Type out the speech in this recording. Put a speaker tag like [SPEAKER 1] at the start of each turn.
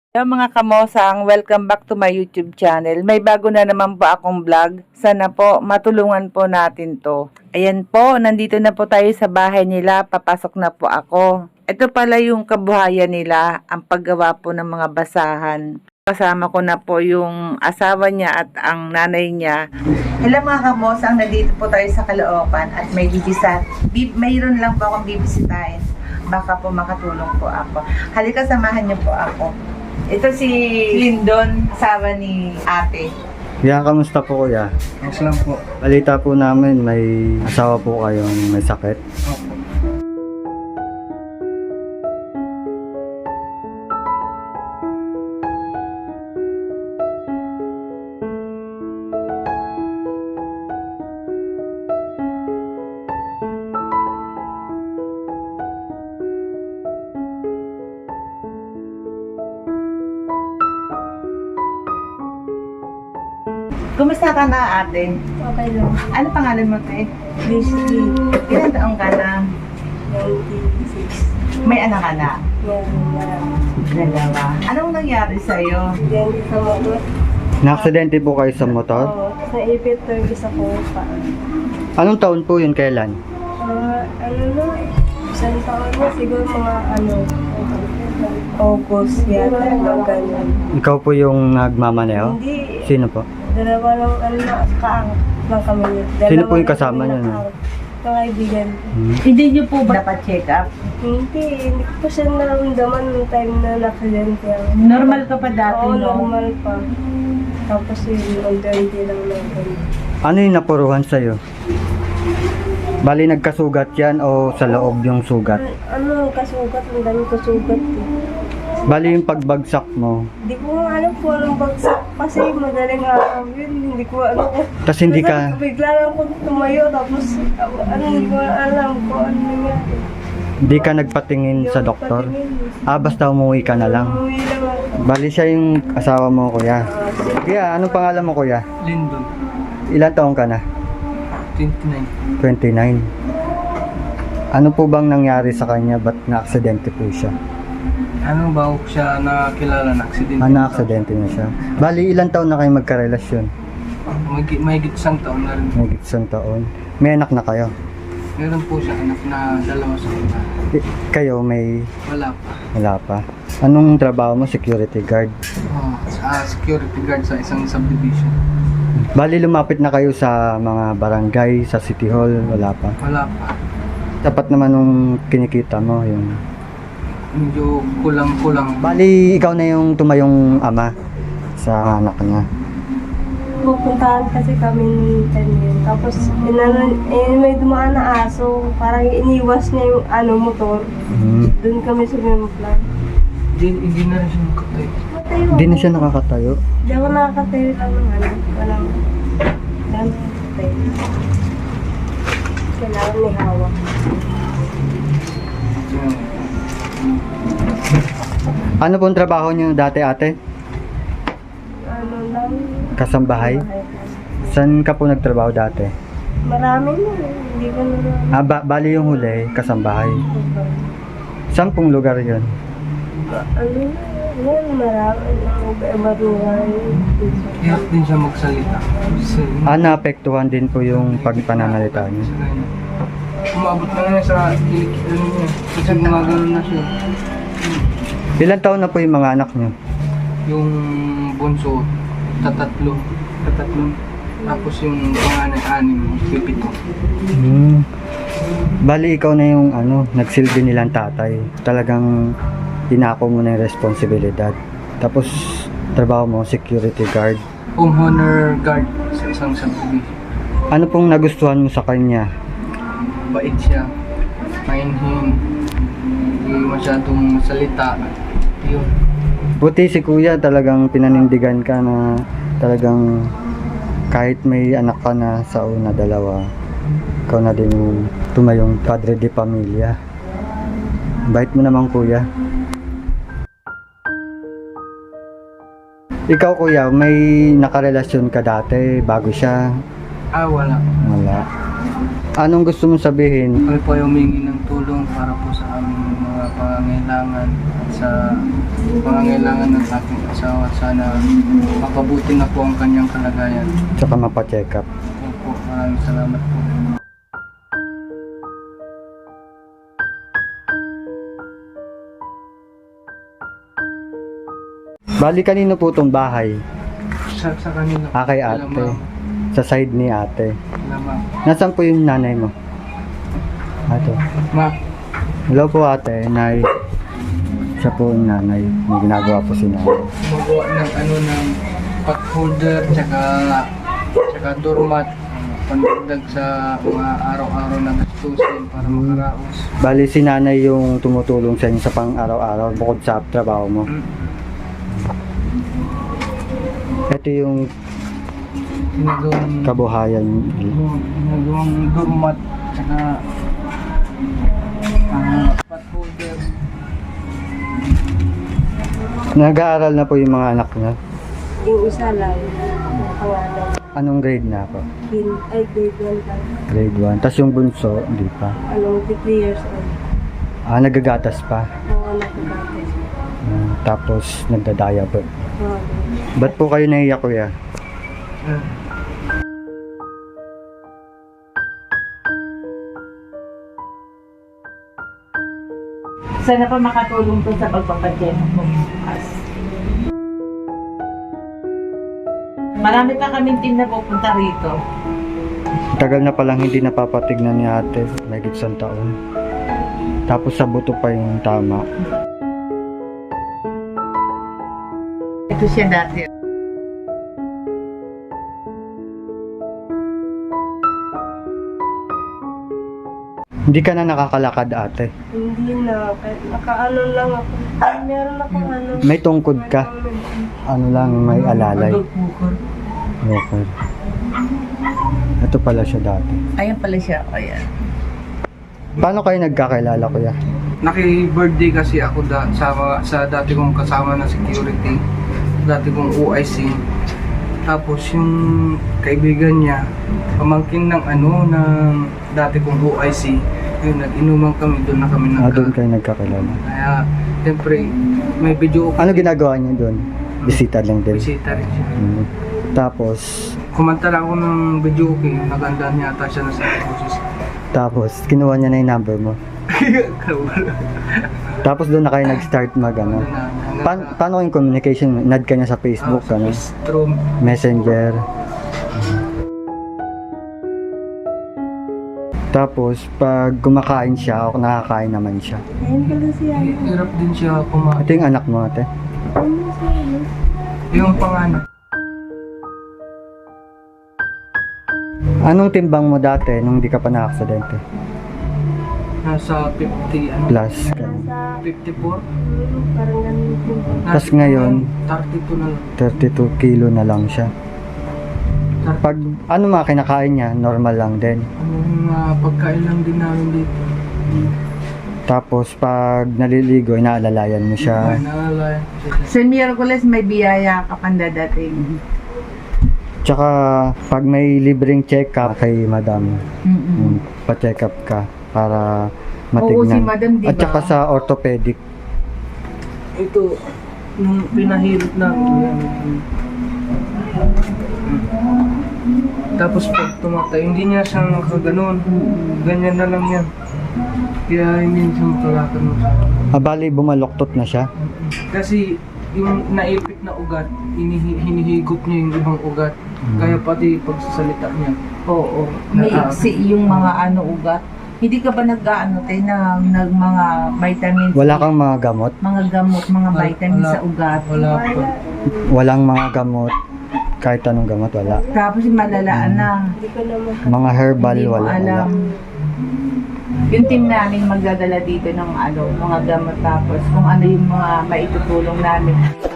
[SPEAKER 1] Hello mga kamosang, welcome back to my YouTube channel. May bago na naman po akong vlog. Sana po matulungan po natin to. Ayan po, nandito na po tayo sa bahay nila. Papasok na po ako. Ito pala yung kabuhayan nila, ang paggawa po ng mga basahan. Kasama ko na po yung asawa niya at ang nanay niya. Hello mga kamosang, nandito po tayo sa Caloocan at may mayroon lang po akong bibisitahin. Baka po makatulong po ako. Halika, samahan niyo po ako. Ito si Lindon, asawa ni ate.
[SPEAKER 2] Kuya, kamusta po kuya?
[SPEAKER 3] Ayos lang po.
[SPEAKER 2] Balita po namin may asawa po kayong may sakit.
[SPEAKER 3] Opo.
[SPEAKER 1] Kumusta ka na ate?
[SPEAKER 4] Okay lang.
[SPEAKER 1] Ano pangalan mo te?
[SPEAKER 4] Basically,
[SPEAKER 1] Ilan taong ka na?
[SPEAKER 4] 96.
[SPEAKER 1] May anak ka na?
[SPEAKER 4] Yan.
[SPEAKER 1] Dalawa. Anong nangyari sa'yo?
[SPEAKER 4] Yan sa motor.
[SPEAKER 2] Na-aksidente po kayo sa motor?
[SPEAKER 4] Oo. Sa ipit isa ko pa.
[SPEAKER 2] Anong taon po yun, kailan?
[SPEAKER 4] Ano na, isang taon na siguro mga August yata, mga ganyan.
[SPEAKER 2] Ikaw po yung nagmamaneho?
[SPEAKER 4] Hindi,
[SPEAKER 2] Sino po?
[SPEAKER 4] dalawa lang kaang lang kami yun.
[SPEAKER 2] Sino po yung kasama niyo, no?
[SPEAKER 4] Mga kaibigan.
[SPEAKER 1] Hindi niyo po ba dapat check up?
[SPEAKER 4] Hindi ko pa siya naramdaman nung time na na-accident yan.
[SPEAKER 1] Normal ka pa dati,
[SPEAKER 4] Oo,
[SPEAKER 1] no?
[SPEAKER 4] normal pa. Tapos yung unti-unti lang natin.
[SPEAKER 2] Ano yung napuruhan sa'yo? Bali nagkasugat yan o sa loob yung sugat?
[SPEAKER 4] Ano, kasugat, ang dami kasugat.
[SPEAKER 2] Bali yung pagbagsak mo,
[SPEAKER 4] Hindi ko nga alam kung anong bagsak kasi madaling araw yun. Hindi ko alam kung...
[SPEAKER 2] tas hindi ka,
[SPEAKER 4] Bigla lang ako tumayo tapos hindi ko alam kung ano nangyari.
[SPEAKER 2] hindi ka nagpatingin sa doktor? Basta umuwi ka na lang.
[SPEAKER 4] Umuwi lang ako.
[SPEAKER 2] Bali siya yung asawa mo, kuya. Kuya, anong pangalan mo, kuya?
[SPEAKER 3] Lindon.
[SPEAKER 2] Ilan taong ka na?
[SPEAKER 3] 29.
[SPEAKER 2] 29. Ano po bang nangyari sa kanya? Ba't na-aksidente po siya?
[SPEAKER 3] Ano ba siya nakilala na aksidente?
[SPEAKER 2] Na-aksidente na siya. Bali, ilang taon na kayo magkarelasyon?
[SPEAKER 3] May isang taon na rin.
[SPEAKER 2] May isang taon. May anak na kayo?
[SPEAKER 3] Meron po siya anak na dalawa sa kanya.
[SPEAKER 2] Kayo may
[SPEAKER 3] Wala pa.
[SPEAKER 2] wala pa. Anong trabaho mo? Security guard.
[SPEAKER 3] Security guard sa isang subdivision.
[SPEAKER 2] Bali, lumapit na kayo sa mga barangay, sa City Hall, wala pa.
[SPEAKER 3] Wala pa.
[SPEAKER 2] Dapat naman nung kinikita mo yung...
[SPEAKER 3] Medyo kulang-kulang.
[SPEAKER 2] Bali, ikaw na yung tumayong ama sa anak niya.
[SPEAKER 4] Pupuntahan kasi kami ni Tanil. Tapos may dumaan na aso. Parang iniwas niya yung motor. Doon kami sa Bimplan.
[SPEAKER 3] Hindi na rin siya makatay.
[SPEAKER 4] Matayo.
[SPEAKER 2] Hindi na siya nakakatayo.
[SPEAKER 4] Hindi ako nakakatayo lang ng walang nakakatayo. Kailangan ni hawak.
[SPEAKER 2] Ano pong trabaho niyo dati, ate?
[SPEAKER 4] Ano lang.
[SPEAKER 2] Kasambahay? Saan ka po nagtrabaho dati?
[SPEAKER 4] Marami na. Hindi ko na
[SPEAKER 2] Bali yung huli, kasambahay. Saan pong lugar yun?
[SPEAKER 4] Yan, marami na. Iba-iba.
[SPEAKER 3] Hirap din siya magsalita.
[SPEAKER 2] Naapektuhan din po yung pagpananalita niyo.
[SPEAKER 3] Umabot na nga sa kilikilo niya. Kasi mga ganun na siya.
[SPEAKER 2] Ilan taon na po yung mga anak niyo?
[SPEAKER 3] Yung bunso, tatatlo. Tapos yung panganay, 6, 7.
[SPEAKER 2] Bali, ikaw na yung nagsilbi nilang tatay. Talagang inako mo na yung responsibilidad. Tapos, trabaho mo, security guard.
[SPEAKER 3] Home honor guard sa isang subdivision.
[SPEAKER 2] Ano pong nagustuhan mo sa kanya?
[SPEAKER 3] Bait siya. Mainhin. Hindi masyadong salita. Yun.
[SPEAKER 2] Buti si kuya, talagang pinanindigan ka na talagang kahit may anak ka na sa una, dalawa, ikaw na din yung tumayong padre de pamilya. Bait mo naman, kuya. Ikaw, kuya, may nakarelasyon ka dati bago siya?
[SPEAKER 3] Wala.
[SPEAKER 2] Wala. Anong gusto mong sabihin?
[SPEAKER 3] Kami po ay humingi ng tulong para po sa aming mga pangangailangan at sa pangangailangan ng aking asawa. Sana makabuti na po ang kanyang kalagayan.
[SPEAKER 2] Tsaka mapacheck up.
[SPEAKER 3] Opo, maraming salamat po.
[SPEAKER 2] Bali, kanino po itong bahay?
[SPEAKER 3] Sa kanila.
[SPEAKER 2] Kay ate. Sa side ni ate.
[SPEAKER 3] Lamang.
[SPEAKER 2] Nasaan po yung nanay mo? Ate.
[SPEAKER 3] Ma,
[SPEAKER 2] Hello po ate, nay. Siya po yung nanay. May ginagawa po si nanay.
[SPEAKER 3] magawa ng ng pot holder, tsaka doormat, pandagdag sa mga araw-araw na gastusin para makaraos.
[SPEAKER 2] Bali, si nanay yung tumutulong sa inyo sa pang araw-araw bukod sa trabaho mo. Ito yung
[SPEAKER 3] Ginagawang
[SPEAKER 2] kabuhayan.
[SPEAKER 3] doormat, tsaka pot holder.
[SPEAKER 2] Nag-aaral na po yung mga anak niya.
[SPEAKER 4] Yung isa lang, yung pangalan,
[SPEAKER 2] Anong grade na po?
[SPEAKER 4] grade 1 lang.
[SPEAKER 2] Grade 1. Tapos yung bunso, hindi pa.
[SPEAKER 4] 3 years old.
[SPEAKER 2] Nagagatas pa.
[SPEAKER 4] Oo, nakagatas.
[SPEAKER 2] Tapos nagda-diaper.
[SPEAKER 4] Oo.
[SPEAKER 2] Ba't po kayo naiyak, kuya?
[SPEAKER 1] Sana pa makatulong to sa pagpapadyan mo bukas. Marami pa kaming team na pupunta rito.
[SPEAKER 2] Tagal na palang hindi napapatignan ni ate. Mahigit 1 taon. Tapos sa buto pa yung tama.
[SPEAKER 1] Ito siya dati.
[SPEAKER 2] Hindi ka na nakakalakad ate.
[SPEAKER 4] Hindi na, kahit nakaano lang ako. Meron akong ano.
[SPEAKER 2] May tungkod ka. Ano lang, may alalay. Okay. Ito pala siya dati.
[SPEAKER 1] Ayan pala siya. Ayan.
[SPEAKER 2] Paano kayo nagkakilala, kuya?
[SPEAKER 3] Naki-birthday kasi ako sa dati kong kasama na security, dati kong OIC. Tapos yung kaibigan niya, pamangkin ng ng dati kong OIC, yun, nag-inuman kami, doon na kami
[SPEAKER 2] Doon kayo nagkakilala.
[SPEAKER 3] Kaya, siyempre, may video
[SPEAKER 2] Ano ginagawa niya doon? Bisita lang din.
[SPEAKER 3] bisita rin siya.
[SPEAKER 2] Tapos,
[SPEAKER 3] Kumanta lang ako ng video okay, naganda niya ata siya na sa boses.
[SPEAKER 2] tapos, kinuha niya na yung number mo. Tapos doon na kayo nag-start mag-ano. Paano yung communication? Nad ka niya sa Facebook, ano?
[SPEAKER 3] Through
[SPEAKER 2] Messenger. Tapos, pag kumakain siya o nakakain naman siya.
[SPEAKER 4] Ayun pala siya.
[SPEAKER 3] hirap din siya kumain.
[SPEAKER 2] Ito yung anak mo, ate.
[SPEAKER 4] Ano siya?
[SPEAKER 3] Yung panganak.
[SPEAKER 2] Anong timbang mo dati nung di ka pa na-aksidente?
[SPEAKER 3] Nasa 50,
[SPEAKER 2] Plus.
[SPEAKER 4] Nasa,
[SPEAKER 3] 54.
[SPEAKER 4] parang ganun din.
[SPEAKER 2] Tas ngayon,
[SPEAKER 3] 32 na lang.
[SPEAKER 2] 32 kilo na lang siya. Pag ano mga kinakain niya, normal lang din.
[SPEAKER 3] Pagkain lang din namin dito.
[SPEAKER 2] Tapos pag naliligo, inaalalayan mo siya.
[SPEAKER 3] Naalala.
[SPEAKER 1] Sa Miyerkules may biyaya ka pang dadating.
[SPEAKER 2] Tsaka pag may libreng check-up kay madam, pa-check up ka para
[SPEAKER 1] Oo, si
[SPEAKER 2] matignan.
[SPEAKER 1] madam, di ba?
[SPEAKER 2] At saka sa orthopedic.
[SPEAKER 3] Ito, nung pinahirap na ako yan. Tapos pag tumatay, hindi niya siya nakaganon. Ganyan na lang yan. Kaya hindi siya makalakad mo siya.
[SPEAKER 2] Bali, bumaloktot na siya.
[SPEAKER 3] Kasi yung naipit na ugat, hinihigop niya yung ibang ugat. Kaya pati pagsasalita niya.
[SPEAKER 1] Oo. May iksi yung mga ugat. Hindi ka ba nag-ano tayo ng mga vitamins?
[SPEAKER 2] Wala kang mga gamot?
[SPEAKER 1] Mga gamot, mga vitamins
[SPEAKER 3] Wala.
[SPEAKER 1] sa ugat.
[SPEAKER 3] Wala po.
[SPEAKER 2] Walang mga gamot? Kahit anong gamot, wala.
[SPEAKER 1] Tapos malalaan na.
[SPEAKER 4] Hindi ko naman.
[SPEAKER 2] Mga herbal,
[SPEAKER 1] Hindi mo
[SPEAKER 2] wala.
[SPEAKER 1] alam. Yung team namin magdadala dito ng mga gamot tapos kung ano yung mga maitutulong namin.